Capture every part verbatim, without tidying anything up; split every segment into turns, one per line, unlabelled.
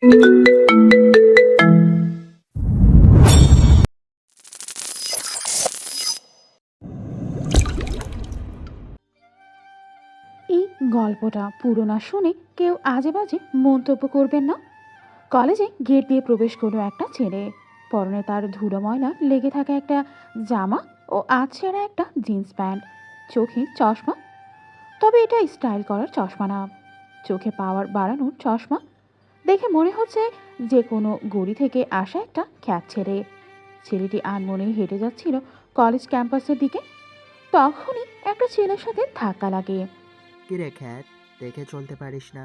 এই গল্পটা পুরো না শুনে কেউ আজে বাজে মন্তব্য করবেন না। কলেজে গেট দিয়ে প্রবেশ করলো একটা ছেলে। পরনে তার ধুলো ময়লা লেগে থাকা একটা জামা ও আধছেঁড়া একটা জিন্স প্যান্ট, চোখে চশমা। তবে এটা স্টাইল করার চশমা না, চোখে পাওয়ার বাড়ানোর চশমা। দেখে মনে হচ্ছে যে কোনো গড়ি থেকে আসা একটা খ্যাত ছেলে। ছেলেটি আনমনেই হেঁটে যাচ্ছিল কলেজ ক্যাম্পাসের দিকে। তখনই একটা ছেলের সাথে ধাক্কা লাগে।
কিরে খ্যাত, দেখে চলতে পারিস না?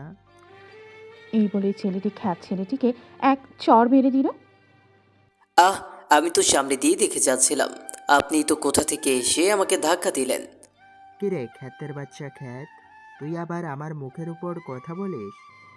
এই বলে ছেলেটি খ্যাত ছেলেটিকে এক চড় মেরে দিল।
আহ, আমি তো সামনে দিয়ে দেখে যাচ্ছিলাম, আপনি তো কোথা থেকে এসে আমাকে ধাক্কা দিলেন।
কিরে খ্যাতের বাচ্চা খ্যাত, তুই আবার আমার মুখের উপর কথা বলিস?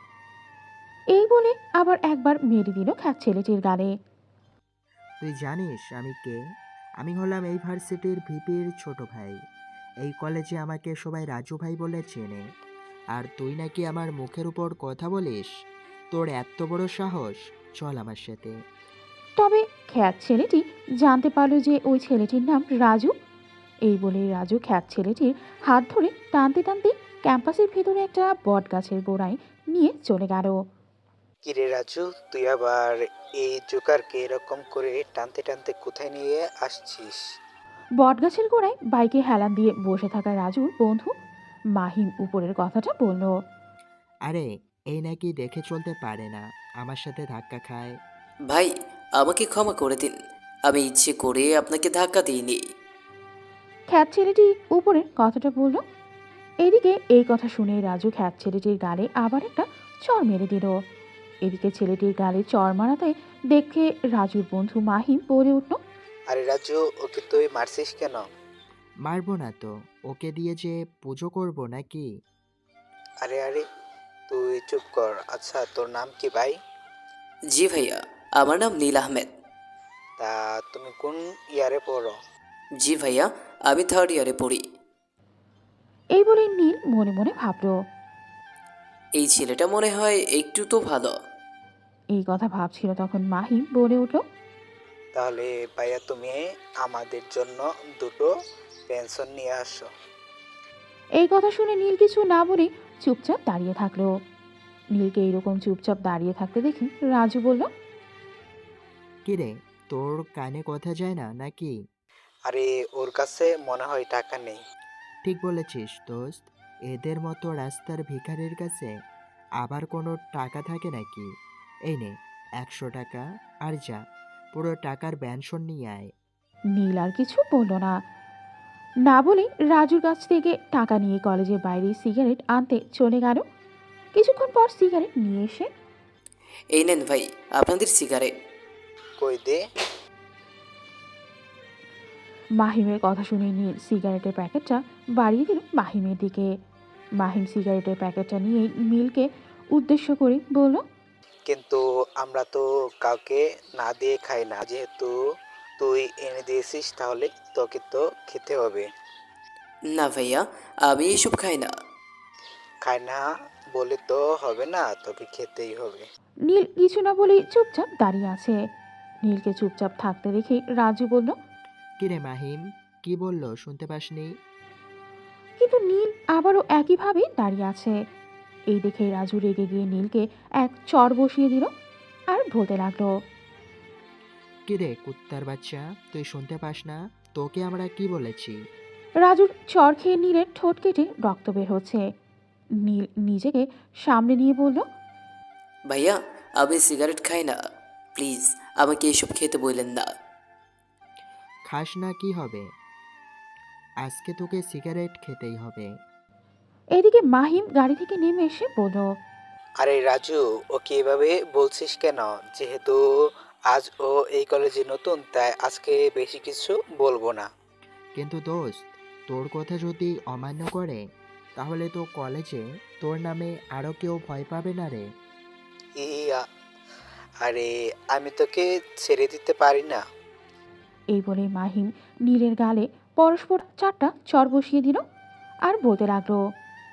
এই বলে আবার একবার মেরে দিল খ্যাত ছেলেটির গালে।
তুই জানিস আমি কে? আমি হলাম এই ভার্সিটির ভিপির ছোট ভাই। এই কলেজে আমাকে সবাই রাজু ভাই বলে চেনে। আর তুই নাকি আমার মুখের উপর কথা বলিস? তোর এত বড় সাহস! চল আমার সাথে।
তবে খ্যাত ছেলেটি জানতে পারল যে ওই ছেলেটির নাম রাজু। এই বলে রাজু খ্যাত ছেলেটির হাত ধরে টানতে টানতে ক্যাম্পাসের ভেতরে একটা বট গাছের গোড়ায় নিয়ে চলে গেল।
কিরে রাজু, তুই আবার এই জোকারকে এরকম করে টানতে টানতে কোথায় নিয়ে আসছিস?
বট গাছের গোড়ায় বাইকে হেলান দিয়ে বসে থাকা রাজুর বন্ধু মাহিম উপরের কথাটা বলল।
আরে, এই নাকি দেখে চলতে পারে না, আমার সাথে ধাক্কা খায়।
ভাই, আমাকে ক্ষমা করে দিন, আমি ইচ্ছে করে আপনাকে ধাক্কা দিইনি।
খ্যাত ছেলেটি উপরের কথাটা বলল। এদিকে এই কথা শুনে রাজু খ্যাত ছেলেটির গালে আবার একটা চড় মেরে দিল। এদিকে ছেলেটির গালে চড় মারাতে দেখে রাজুর বন্ধু মাহিম বলে উঠল।
আরে রাজু, ওকে তুই মারছিস কেন?
মারবো না তো, ওকে দিয়ে যে পুজো করব নাকি?
আরে আরে, তুই চুপ কর। আচ্ছা, তোর নাম কি ভাই?
জি ভাইয়া, আমার নাম নীল আহমেদ।
তা তুমি কোন ইয়ারে পড়ো?
জি ভাইয়া, আমি থার্ড ইয়ারে পড়ি।
এই বলে নীল মনে মনে ভাবল।
এই ছেলেটা মনে হয় একটু তো ভালো।
এই কথা ভাবছিল তখন মাহিম বলে উঠল।
তাহলে ভাইয়া, তুমি আমাদের জন্য দুটো পেনশন নিয়ে আসো।
এই কথা শুনে নীল কিছু না বলে চুপচাপ দাঁড়িয়ে থাকলো। নীলকে এইরকম চুপচাপ দাঁড়িয়ে থাকতে দেখি রাজু বলল।
কিরে, তোর কানে কথা যায় না নাকি?
আরে, ওর কাছে মনে হয় টাকা নেই।
ঠিক বলেছিস দোস্ত। এদের মতো রাস্তার ভিখারির কাছে আবার কোনো টাকা থাকে নাকি? এই নে, একশো টাকা, আর যা, পুরো টাকার ব্যানশন নিয়ে আয়।
নীল আর কিছু বলল না। না বলে রাজুর কাছ থেকে টাকা নিয়ে কলেজের বাইরে সিগারেট আনতে চলে গেল। কিছুক্ষণ পর সিগারেট নিয়ে এসে
এই নেন ভাই, আপনাদের সিগারেট।
কই দে।
মাহিমের কথা শুনে নীল সিগারেটের প্যাকেটটা বাড়িয়ে দিল মাহিমের দিকে। মাহিম সিগারেটের প্যাকেটটা নিয়ে নীলকে উদ্দেশ্য করে বলল।
কিন্তু আমরা তো কাউকে না দিয়ে খাই না, যেহেতু তুই এনে দিয়েছিস তাহলে তোকে তো খেতে হবে।
না ভাইয়া, আমি এসব খাই না।
খাই না বলে তো হবে না, তোকে খেতেই হবে।
নীল কিছু না বলেই চুপচাপ দাঁড়িয়ে আছে। নীলকে চুপচাপ থাকতে দেখে রাজু বলল।
কিরে মাহিম, কি বললো শুনতে পাসনি?
কিন্তু নীল আবারও একইভাবে দাঁড়িয়ে আছে। এই দেখে রাজু রেগে গিয়ে নীলকে এক চড় বসিয়ে দিল আর বলতে লাগলো।
কিরে কুত্তার বাচ্চা, তুই শুনতে পাস না? তোকে আমরা কি বলেছি?
রাজুর চড় খেয়ে নীলের ঠোঁট কেটে রক্ত বের হচ্ছে। নীল নিজেকে সামনে নিয়ে বলল।
ভাইয়া, আমি সিগারেট খাই না, প্লিজ আমাকে এসব খেতে বললেন না।
খাস না কি হবে? আজকে তোকে সিগারেট খেতেই হবে।
এদিকে মাহিম গাড়ি থেকে নেমে এসে বলল।
আরে রাজু, ওকে এভাবে বলছিস কেন? যেহেতু আজ ও এই কলেজে নতুন, তাই আজকে বেশি কিছু বলবো না।
কিন্তু দোস্ত, তোর কথা যদি অমান্য করে, তাহলে তো কলেজে তোর নামে আরও কেউ ভয় পাবে না রে।
ইয়া, আরে আমি তোকে ছেড়ে দিতে পারি না।
এই বলে মাহিম নীলের গালে পরস্পর চারটা চড় বসিয়ে দিল আর বলতে লাগলো।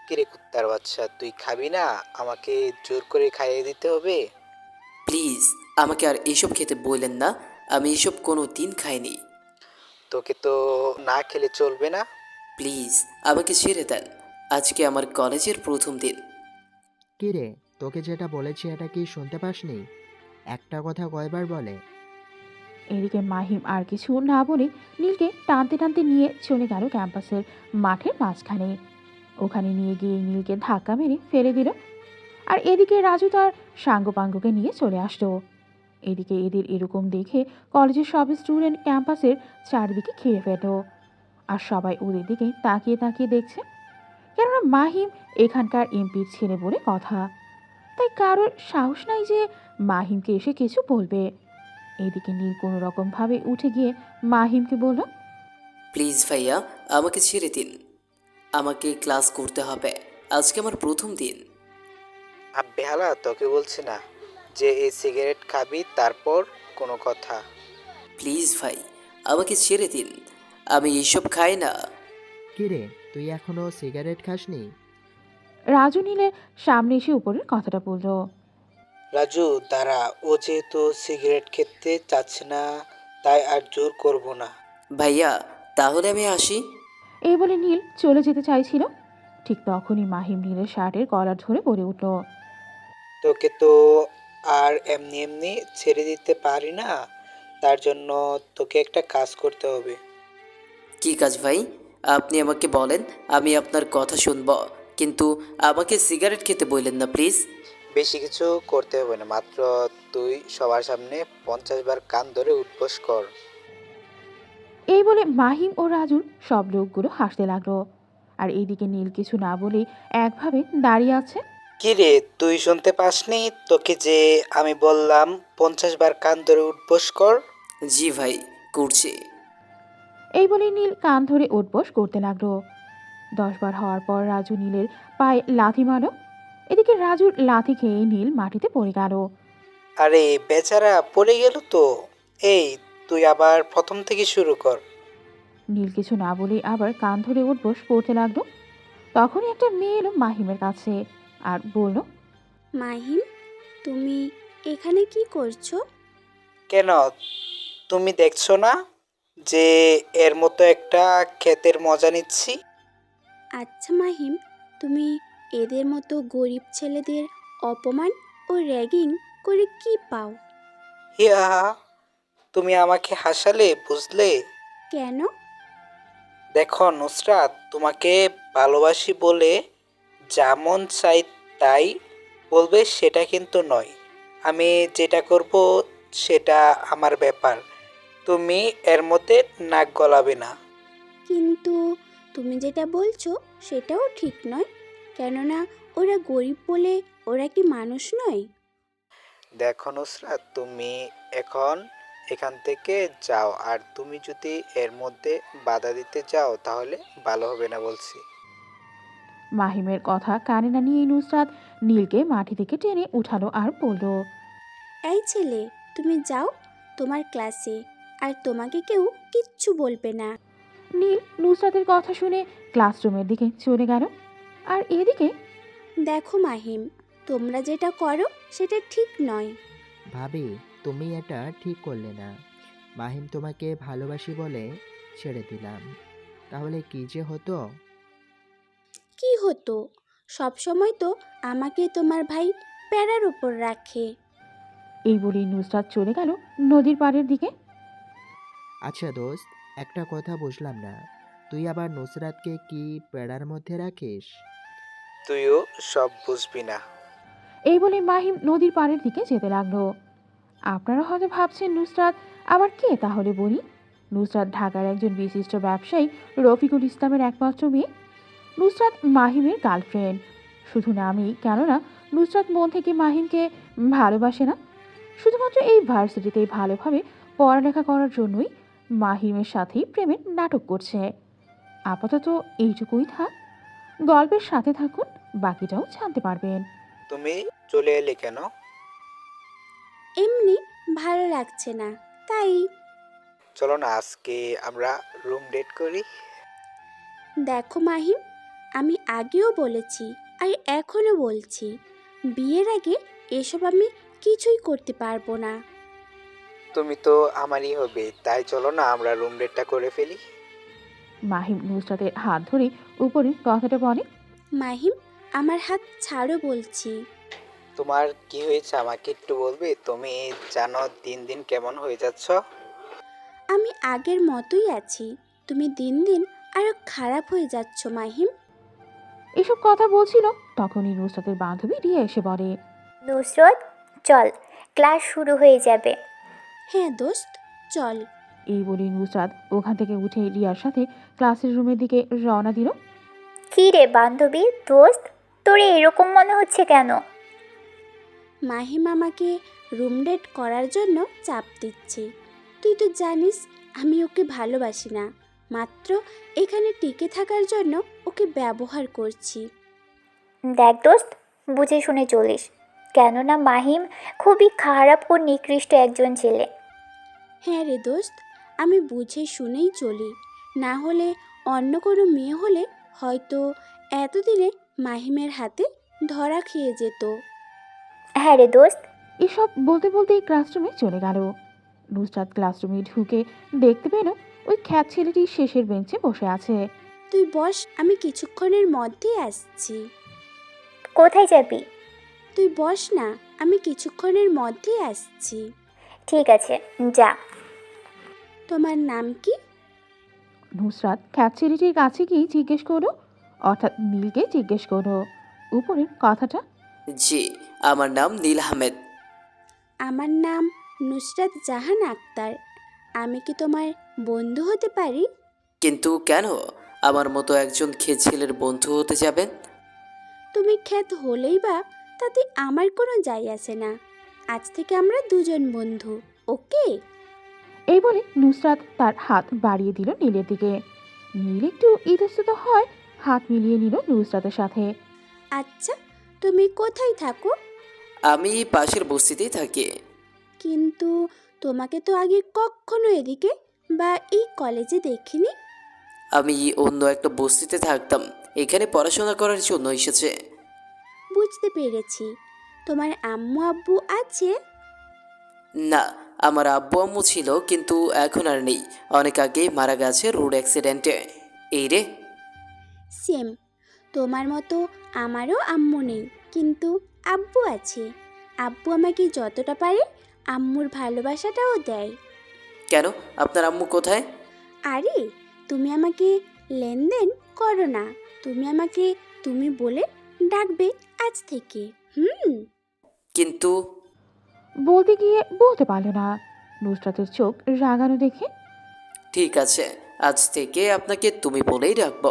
কিরে কুত্তার বাচ্চা, তুই খাবি না? আমাকে জোর করে খাইয়ে দিতে হবে?
প্লিজ আমাকে আর এসব খেতে বললেন না। আমি এসব কোনো দিন খাইনি।
তোকে তো না খেলে চলবে না।
প্লিজ আমাকে ছেড়ে দেন। আজকে আমার কলেজের প্রথম দিন।
কি রে, তোকে যেটা বলেছি এটা কি শুনতে পাসনি? একটা কথা কয়বার বলে?
এদিকে মাহিম আর কিছু না বলে নীলকে টানতে টানতে নিয়ে চলে গেল ক্যাম্পাসের মাঠের মাঝখানে। ওখানে নিয়ে গিয়ে নীলকে ধাক্কা মেরে ফেলে দিল। আর এদিকে রাজু তার সাঙ্গপাঙ্গকে নিয়ে চলে আসলো। এদিকে এদের এরকম দেখে কলেজের সব স্টুডেন্ট ক্যাম্পাসের চারিদিকে ঘিরে ফেলল। আর সবাই ওদের দিকে তাকিয়ে তাকিয়ে দেখছে, কেননা মাহিম এখানকার এমপির ছেলে বলে কথা। তাই কারোর সাহস নাই যে মাহিমকে এসে কিছু বলবে। এদিকে নীল কোনো রকমভাবে উঠে গিয়ে মাহিমকে বলল,
প্লিজ ভাইয়া আমাকে ছেড়ে দিন। আমাকে ক্লাস করতে হবে। আজকে আমার প্রথম দিন।
আর বেহালা, তোকে বলছি না যে এই সিগারেট খাবি তারপর কোনো কথা?
প্লিজ ভাই আমাকে ছেড়ে দিন। আমি এইসব খাই না।
কি রে, তুই এখনো সিগারেট খাসনি?
রাজু নীলের সামনে এসে উপরের কথাটা বলল।
রাজু দাঁড়া, ও যেহেতু সিগারেট খেতে চাচ্ছে না তাই আর জোর করব না।
ভাইয়া তাহলে আমি আসি।
এই বলে নীল চলে যেতে চাইছিল, ঠিক তখনই মাহিম নীলের শার্টের কলার ধরে বলে উঠল,
তোকে তো আর এমনি এমনি ছেড়ে দিতে পারি না, তার জন্য তোকে একটা কাজ করতে হবে।
কি কাজ ভাই? আপনি আমাকে বলেন, আমি আপনার কথা শুনব। কিন্তু আমাকে সিগারেট খেতে বললেন না প্লিজ।
বেশি কিছু করতে হবে না, মাত্র তুই সবার সামনে পঞ্চাশ বার কান ধরে উঠবোস কর।
এই বলে মাহিম ও রাজুর সব লোকগুলো হাসতে লাগলো। আর এইদিকে নীল কিছু না বলেই একভাবে দাঁড়িয়ে আছে।
কি রে, তুই শুনতে পাসনি? তোকে যে আমি বললাম পঞ্চাশ বার কান ধরে উঠবোস কর।
জি ভাই, করছি।
এই বলে নীল কান ধরে উঠবোস করতে লাগলো। দশবার হওয়ার পর রাজু নীলের পায়ে লাথি মারল। এদিকে রাজুর লাথি খেয়ে নীল মাটিতে পড়ে গেল।
আরে বেচারা পড়ে গেল তো। এই, তুই আবার প্রথম থেকে শুরু কর।
নীল কিছু না বলেই আবার কান ধরে উঠবোস করতে লাগলো। তখনই একটা মেয়ে এলো মাহিমের কাছে আর বলল,
মাহিম, তুমি এখানে কি করছো?
কেন, তুমি দেখছো না যে এর মতো একটা ক্ষেতের মজা নিচ্ছি?
আচ্ছা মাহিম, তুমি এদের মতো গরিব ছেলেদের অপমান ও র্যাগিং করে কি পাও?
হিয়া, তুমি আমাকে হাসালে, বুঝলে?
কেন?
দেখো নুসরাত, তোমাকে ভালোবাসি বলে যা মন চাই তাই বলবে সেটা কিন্তু নয়। আমি যেটা করব সেটা আমার ব্যাপার, তুমি এর মধ্যে নাক গলাবে না।
কিন্তু তুমি যেটা বলছো সেটাও ঠিক নয়, কেননা ওরা গরিব বলে ওরা কি মানুষ নয়?
দেখো নুসরাত, তুমি এখন এখান থেকে যাও, আর তুমি যদি এর মধ্যে বাধা দিতে যাও তাহলে ভালো হবে না বলছি।
মাহিমের কথা কানে না নিয়ে নুসরাত নীলকে মাটি থেকে টেনে উঠালো আর বলল,
এই ছেলে, তুমি যাও তোমার ক্লাসে, আর তোমাকে কেউ কিচ্ছু বলবে না।
নীল নুসরাতের কথা শুনে ক্লাসরুমের দিকে চলে গেল। আর এদিকে
দেখো মাহিম, তোমরা যেটা করো সেটা ঠিক নয়।
ভাবি, তুমি এটা ঠিক করলে না। মাহিম তোমাকে ভালোবাসি বলে ছেড়ে দিলাম, তাহলে কি যে হতো?
কি হতো? সব সময় তো আমাকে তোমার ভাই প্যারার উপর রাখে।
এই বলেই নুসরাত চলে গেল নদীর পাড়ের দিকে।
আচ্ছা দোস্ত, একটা কথা বুঝলাম না, তুই আবার নুসরাতকে কি পেড়ার মধ্যে রাখিস?
তুইও সব বুঝবি না।
এই বলে মাহিম নদীর পাড়ের দিকে যেতে লাগলো। আপনারা হয়তো ভাবছেন নুসরাত আবার কে, তাহলে বলি। নুসরাত ঢাকার একজন বিশিষ্ট ব্যবসায়ী রফিকুল ইসলামের একমাত্র মেয়ে। নুসরাত মাহিমের গার্লফ্রেন্ড শুধু নামই, কেননা নুসরাত মন থেকে মাহিমকে ভালোবাসে না। শুধুমাত্র এই ভার্সিটিতে ভালোভাবে পড়ালেখা করার জন্যই মাহিমের সাথেই প্রেমের নাটক করছে। আপাতত এইটুকুই থাক, গল্পের সাথে থাকুন, বাকিটাও জানতে পারবেন।
তুমি চলে এলে কেন?
এমনি ভালো লাগছে না, তাই।
চলো না আজকে আমরা রুম ডেট করি।
দেখো মাহিম, আমি আগেও বলেছি আর এখনও বলছি, বিয়ের আগে এসব আমি কিছুই করতে পারবো না।
তুমি তো আমারই হবে, তাই চলো না আমরা রুম ডেটটা করে ফেলি।
মাহিম নুসরাতের হাত ধরে উপরে কথাটা বলে।
মাহিম, আমার হাত ছাড়ো বলছি।
তোমার কি হয়েছে আমাকে একটু বলবে? তুমি জানো দিন দিন কেমন হয়ে যাচ্ছ।
আমি আগের মতোই আছি, তুমি দিন দিন আরো খারাপ হয়ে যাচ্ছ মাহিম।
এসব কথা বলছিল তখনই নুসরাতের বান্ধবী রিয়া এসে বলে।
নুসরত, চল, ক্লাস শুরু হয়ে যাবে।
হ্যাঁ দোস্ত, চল।
এই বলে নুসরাত ওখান থেকে উঠে রিয়ার সাথে ক্লাসের রুমের দিকে রওনা দিল।
কী রে বান্ধবী, দোস্ত, তোর এরকম মনে হচ্ছে কেন?
মাহিম আমাকে রুম ডেট করার জন্য চাপ দিচ্ছে। তুই তো জানিস আমি ওকে ভালোবাসি না, মাত্র এখানে টিকে থাকার জন্য ওকে ব্যবহার করছি।
দেখ দোস্ত, বুঝে শুনে চলিস, কেননা মাহিম খুবই খারাপ ও নিকৃষ্ট একজন ছেলে।
হ্যাঁ রে দোস্ত, আমি বুঝে শুনেই চলি, না হলে অন্য কোনো মেয়ে হলে হয়তো এতদিনে মাহিমের হাতে ধরা খেয়ে যেত।
হ্যাঁ রে দোস্ত।
এসব বলতে বলতেই ক্লাসরুমে চলে গেল। নুসরাত ক্লাসরুমে ঢুকে দেখতে পেল ওই খ্যাত ছেলেটি শেষের বেঞ্চে বসে আছে।
তুই বস, আমি কিছুক্ষণের মধ্যেই আসছি।
কোথায় যাবি?
তুই বস না, আমি কিছুক্ষণের মধ্যেই আসছি।
ঠিক আছে, যা।
তোমার নাম কি?
নুসরাত খ্যাত ছেলেটির কাছে গিয়ে জিজ্ঞেস করলো, অর্থাৎ নীলকে জিজ্ঞেস করলো উপরের কথাটা।
জি, আমার নাম নীল আহমেদ।
আমার নাম নুসরাত জাহান আক্তার। আমি কি তোমার বন্ধু হতে পারি?
কিন্তু কেন আমার মতো একজন খেয়ে ছেলের বন্ধু হতে যাবেন?
তুমি খ্যাত হলেই বা তাতে আমার কোনো যায় আসে না। আজ থেকে আমরা দুজন বন্ধু, ওকে?
এই বলে নুসরাত তার হাত বাড়িয়ে দিল নীলের দিকে। নীল একটু ইতস্তত হয়, হাত মিলিয়ে নিল নুসরাতের সাথে।
আচ্ছা, তুমি কোথায় থাকো?
আমি পাশের বস্তিতেই থাকি।
কিন্তু তোমাকে তো আগে কখনো এদিকে বা এই কলেজে দেখিনি।
আমি অন্য একটা বস্তিতে থাকতাম, এখানে পড়াশোনা করার জন্য এসেছে।
বুঝতে পেরেছি। তোমার আম্মু আব্বু আছে?
না, আমার আব্বু আম্মু ছিল কিন্তু এখন আর নেই, অনেক আগেই মারা গেছে রোড অ্যাক্সিডেন্টে। এই রে।
সেম, তোমার মতো আমারও আম্মু নেই, কিন্তু আব্বু আছে। আব্বু আমাকে যতটা পারে আম্মুর ভালোবাসাটাও দেয়।
কেন, আপনার আম্মু কোথায়?
আরে, তুমি আমাকে লেনদেন করো না, তুমি আমাকে তুমি বলে ডাকবে আজ থেকে। হুম।
কিন্তু
বলতে গিয়ে বলতে পারল না। নুসরাতের চোখ রাগানো দেখে।
ঠিক আছে, আজ থেকে আপনাকে তুমি বলেই রাখবো।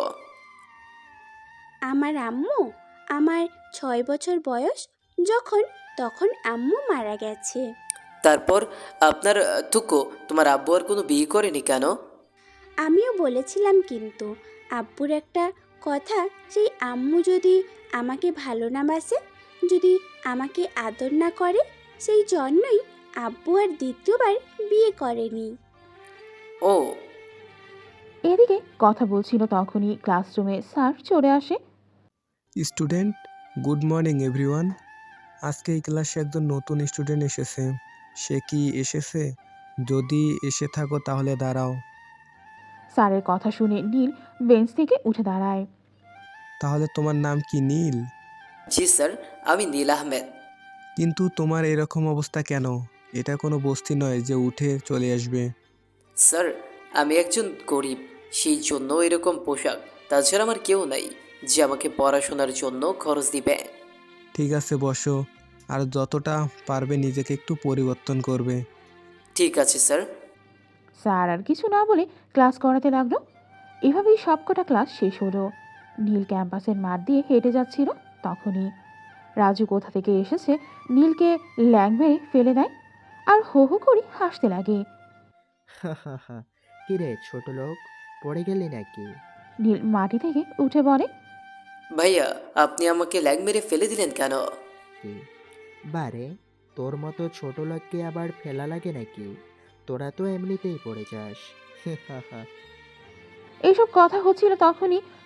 আমার আম্মু, আমার ছয় বছর বয়স যখন, তখন আম্মু মারা গেছে।
তারপর আপনার আহ, থুকো, তোমার আব্বু আর কোনো বিয়ে করেনি কেন?
আমিও বলেছিলাম, কিন্তু আব্বুর একটা কথা, সেই আম্মু যদি আমাকে ভালো না বাসে, যদি আমাকে আদর না করে, সেই জন্যই আব্বু আর দ্বিতীয়বার বিয়ে করেনি।
ও,
এদিকে কথা বলছিল তখনই ক্লাসরুমে স্যার চলে আসে।
Student, good morning everyone. আজকে এই ক্লাসে একজন নতুন স্টুডেন্ট এসেছে। সে কি এসেছে? যদি এসে থাকো তাহলে দাঁড়াও।
স্যারের কথা শুনে নীল বেঞ্চ থেকে উঠে দাঁড়ায়।
তাহলে তোমার নাম কি নীল?
জি স্যার, আমি নীল আহমেদ।
কিন্তু তোমার এরকম অবস্থা কেন? এটা কোনো বস্তি নয় যে উঠে চলে আসবে।
স্যার, আমি একজন গরিব, সেই জন্য এরকম পোশাক। তাছাড়া আমার কেউ নাই যে আমাকে পড়াশোনার জন্য খরচ দিবে।
ঠিক আছে, বসো। আর যতটা পারবে নিজেকে একটু পরিবর্তন করবে।
ঠিক আছে স্যার।
স্যার আর কিছু না বলে ক্লাস করাতে লাগলো। এভাবেই সবকটা ক্লাস শেষ হলো। নীল ক্যাম্পাসের মাঠ দিয়ে হেঁটে যাচ্ছিল তখনই রাজু কোথা থেকে এসেছে নীলকে ল্যাং মেরে ফেলে দেয় আর হো হো করে হাসতে লাগে।
হা হা হা, কিরে ছোট লোক, পড়ে গেলি নাকি?
নীল মাটি থেকে উঠে বলে।
ভাইয়া, আপনি আমাকে ল্যাং মেরে ফেলে দিলেন কেন?
কি বারে, তোর মতো ছোট লোককে আবার ফেলা লাগে নাকি? তোরা তো এমনিতেই পড়ে যাস। হা হা।
এইসব কথা হচ্ছিল তখনই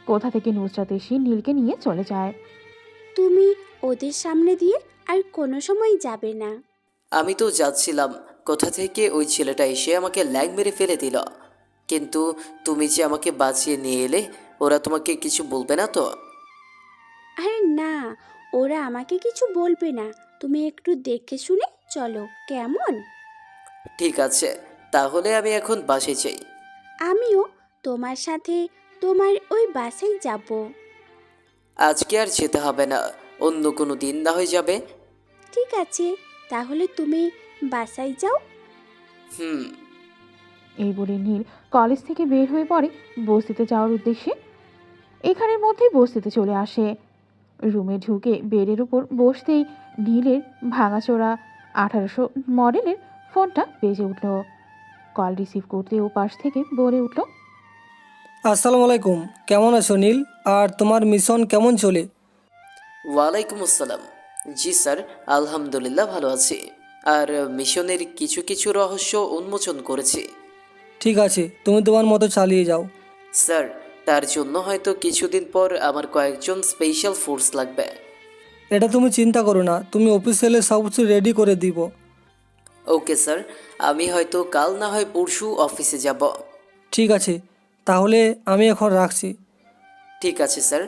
কোথা থেকে নুসরাত এসে নীলকে নিয়ে চলে যায়।
তুমি ওদের সামনে দিয়ে আর কোনো সময় যাবে না।
আমি তো যাচ্ছিলাম, কোথা থেকে ওই ছেলেটা এসে আমাকে ল্যাং মেরে ফেলে দিল। কিন্তু তুমি যে আমাকে বাঁচিয়ে নিয়ে এলে, ওরা তোমাকে কিছু বলবে না তো?
আরে না, ওরা আমাকে কিছু বলবে না। তুমি একটু দেখে শুনে চলো, কেমন?
ঠিক আছে, তাহলে আমি এখন বাসে যাই।
আমিও তোমার সাথে তোমার ওই বাসায় যাব।
আজকে আর যেতে হবে না, অন্য কোনো দিন না হয়ে যাবে।
ঠিক আছে, তাহলে তুমি বাসায় যাও।
হুম।
এই বলে নীল কলেজ থেকে বের হয়ে পড়ে বস্তিতে যাওয়ার উদ্দেশ্যে। এখানের মধ্যেই বস্তিতে চলে আসে। রুমে ঢুকে বেডের উপর বসতেই নীলের ভাঙাচোরা আঠারোশো মডেলের ফোনটা বেজে উঠল। কল রিসিভ করতে ও পাশ থেকে বলে উঠল,
আসসালামু আলাইকুম, কেমন আছো নীল? আর তোমার মিশন কেমন চলে?
ওয়ালাইকুম আসসালাম। জি স্যার, আলহামদুলিল্লাহ ভালো আছি। আর মিশনের কিছু কিছু রহস্য উন্মোচন করেছি।
ঠিক আছে, তুমি তোমার মতো চালিয়ে যাও।
স্যার, তার জন্য হয়তো কিছুদিন পর আমার কয়েকজন স্পেশাল ফোর্স লাগবে।
এটা তুমি চিন্তা করো না, তুমি অফিসিয়ালি সব কিছু রেডি করে দিব।
ওকে স্যার, আমি হয়তো কাল না হয় পরশু অফিসে যাব।
ঠিক আছে, তাহলে আমি এখন রাখছি।
ঠিক আছে স্যার।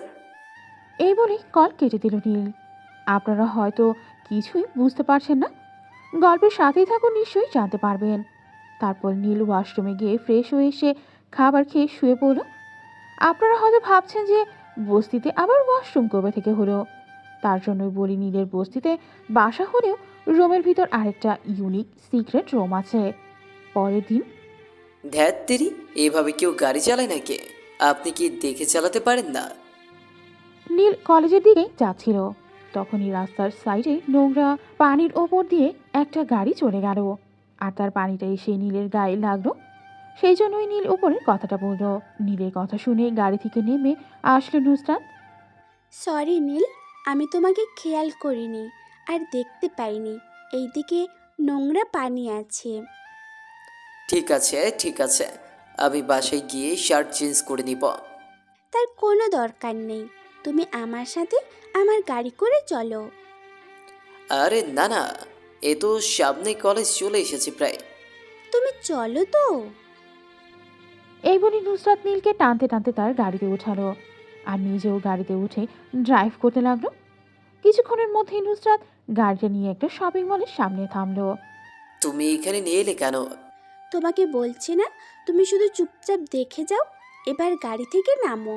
এই বলে কল কেটে দিল নীল। আপনারা হয়তো কিছুই বুঝতে পারছেন না, গল্পের সাথেই থাকুন, নিশ্চয়ই জানতে পারবেন। তারপর নীল ওয়াশরুমে গিয়ে ফ্রেশ হয়ে এসে খাবার খেয়ে শুয়ে পড়ল। আপনারা হয়তো ভাবছেন যে বস্তিতে আবার ওয়াশরুম কবে থেকে হলো। তার জন্যই বলি, নীলের বস্তিতে বাসা হলেও রুমের ভিতর আরেকটা ইউনিক সিক্রেট রুম আছে। পরের দিন
ধ্যাত তেরি, এভাবে কেউ গাড়ি চালায় নাকি? আপনি কি দেখে চালাতে পারেন না?
নীল কলেজের দিকে যাচ্ছিল, তখনই রাস্তার সাইডে নোংরা পানির ওপর দিয়ে একটা গাড়ি চলে গেল। আর তার পানিটা এসে নীলের গায়ে লাগলো। সেই জন্যই নীল উপরের কথাটা বলল। নীলের কথা শুনে গাড়ি থেকে নেমে আসলো নুসরাত।
সরি নীল, আমি তোমাকে খেয়াল করিনি আর দেখতে পাইনি এইদিকে নোংরা পানি আছে।
ঠিক আছে ঠিক আছে, আমি বাসায় গিয়ে শার্ট চেঞ্জ করে নিব।
তার কোনো দরকার নেই, তুমি আমার সাথে আমার গাড়ি করে চলো।
আরে না না, এ তো সামনে কলেজ চলে এসেছে প্রায়।
তুমি চলো তো।
এই বলে নুসরাত নীলকে টানতে টানতে তার গাড়িতে উঠালো আর নিজেও গাড়িতে উঠে ড্রাইভ করতে লাগলো। কিছুক্ষণের মধ্যেই নুসরাত গাড়িটা নিয়ে একটা শপিং মলের সামনে থামলো।
তুমি এখানে নিয়ে এলে কেন?
তোমাকে বলছি না, তুমি শুধু চুপচাপ দেখে যাও। এবার গাড়ি থেকে নামো।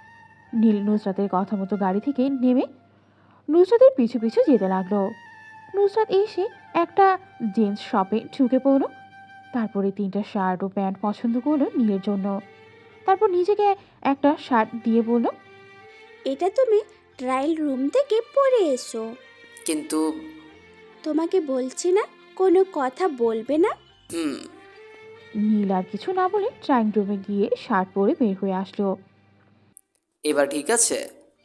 নীল নুসরাতের কথা মতো গাড়ি থেকে নেমে নুসরাতের পিছু পিছু যেতে লাগলো। নুসরাত এসে একটা জিন্স শপে ঢুকে পড়লো। তারপরে তিনটা শার্ট ও প্যান্ট পছন্দ করলো নীলের জন্য। তারপর নিজেকে একটা শার্ট দিয়ে বলল,
এটা তুমি ট্রায়াল রুম থেকে পরে এসো।
কিন্তু
তোমাকে বলছি না, কোনো কথা বলবে না।
হুম।
নীল আর কিছু না বলে ট্রাইং রুমে গিয়ে শার্ট পরে বের হয়ে আসলো।
এবার ঠিক আছে?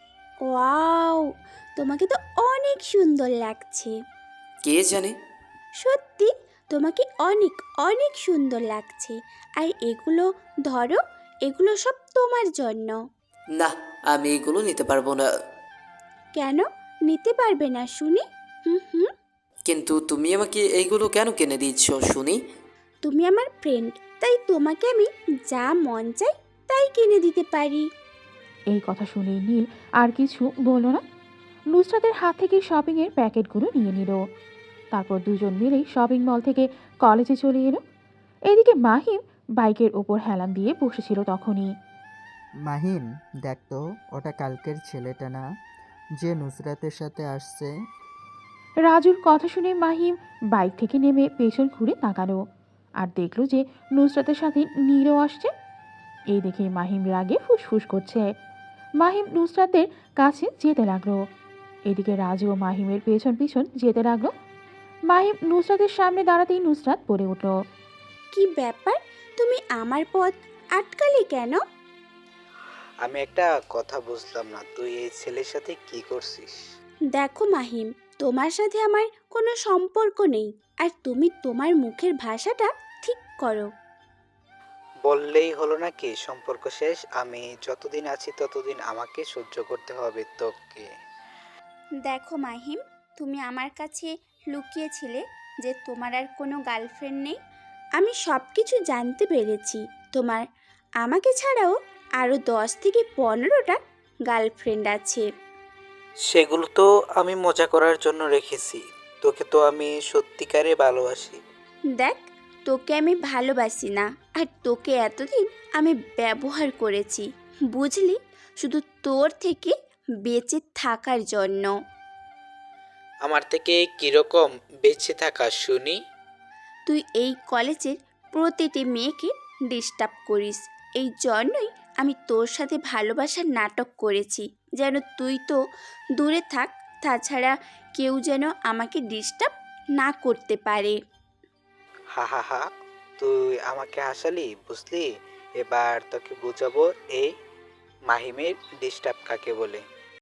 ওয়াও, তোমাকে তো অনেক সুন্দর লাগছে।
কে জানে।
সত্যি, তোমাকে অনেক অনেক সুন্দর লাগছে। আর এগুলো ধরো, এগুলো সব তোমার জন্য।
না, আমি এগুলো নিতে পারবো না।
কেন নিতে পারবে না শুনি? হুম হুম
কিন্তু তুমি আমাকে এইগুলো কেন কিনে দিচ্ছ শুনি?
তুমি আমার ফ্রেন্ড, তাই তোমাকে আমি যা মন চাই তাই কিনে দিতে পারি।
এই কথা শুনে নীল আর কিছু বলল না। নুসরাতের হাত থেকে শপিংয়ের প্যাকেটগুলো নিয়ে নিল। তারপর দুজন মিলেই শপিং মল থেকে কলেজে চলে এলো। এদিকে মাহিম বাইকের ওপর হেলান দিয়ে বসেছিল তখনই।
মাহিম, দেখ তো, ওটা কালকের ছেলেটা না যে নুসরাতের সাথে আসছে?
রাজুর কথা শুনে মাহিম বাইক থেকে নেমে পেছন ঘুরে তাকালো আর দেখলো যে নুসরাতের সাথে নীলও আসছে। এই দেখে মাহিম রাগে ফুসফুস করছে। মাহিম নুসরাতের কাছে যেতে লাগলো। এদিকে রাজু ও মাহিমের পেছন পিছন যেতে লাগলো। মাহিম নুসরাতের সামনে দাঁড়াতেই নুসরাত বলে উঠল,
কি ব্যাপার, তুমি আমার পথ আটকালে কেন?
আমি একটা কথা বুঝলাম না, তুই এই ছেলের সাথে কি করছিস?
দেখো মাহিম, তোমার সাথে আমার কোনো সম্পর্ক নেই। আর তুমি তোমার মুখের ভাষাটা ঠিক করো।
বললেই হলো নাকি সম্পর্ক শেষ? আমি যতদিন আছি ততদিন আমাকে সহ্য করতে হবে তোকে।
দেখো মাহিম, তুমি আমার কাছে লুকিয়েছিলে যে তোমার আর কোনো গার্লফ্রেন্ড নেই। আমি সব কিছু জানতে পেরেছি। তোমার আমাকে ছাড়াও আরও দশ থেকে পনেরোটা গার্লফ্রেন্ড আছে।
সেগুলো তো আমি মজা করার জন্য রেখেছি। তোকে তো আমি সত্যিকারে ভালোবাসি।
দেখ, তোকে আমি ভালোবাসি না, আর তোকে এতদিন আমি ব্যবহার করেছি, বুঝলি, শুধু তোর থেকে বেঁচে থাকার জন্য।
আমার থেকে কিরকম বেঁচে থাকা শুনি?
তুই এই কলেজের প্রতিটি মেয়েকে ডিস্টার্ব করিস, এই জন্যই আমি তোর সাথে ভালোবাসার নাটক করেছি, যেন তুই তো দূরে থাক, তাছাড়া কেউ যেন আমাকে ডিস্টার্ব না করতে পারে।
হা হা হা, তুই আমাকে হাসালি, বুঝলি? এবার তোকে বুঝাবো এই মাহিমের ডিস্টার্ব কাকে বলে।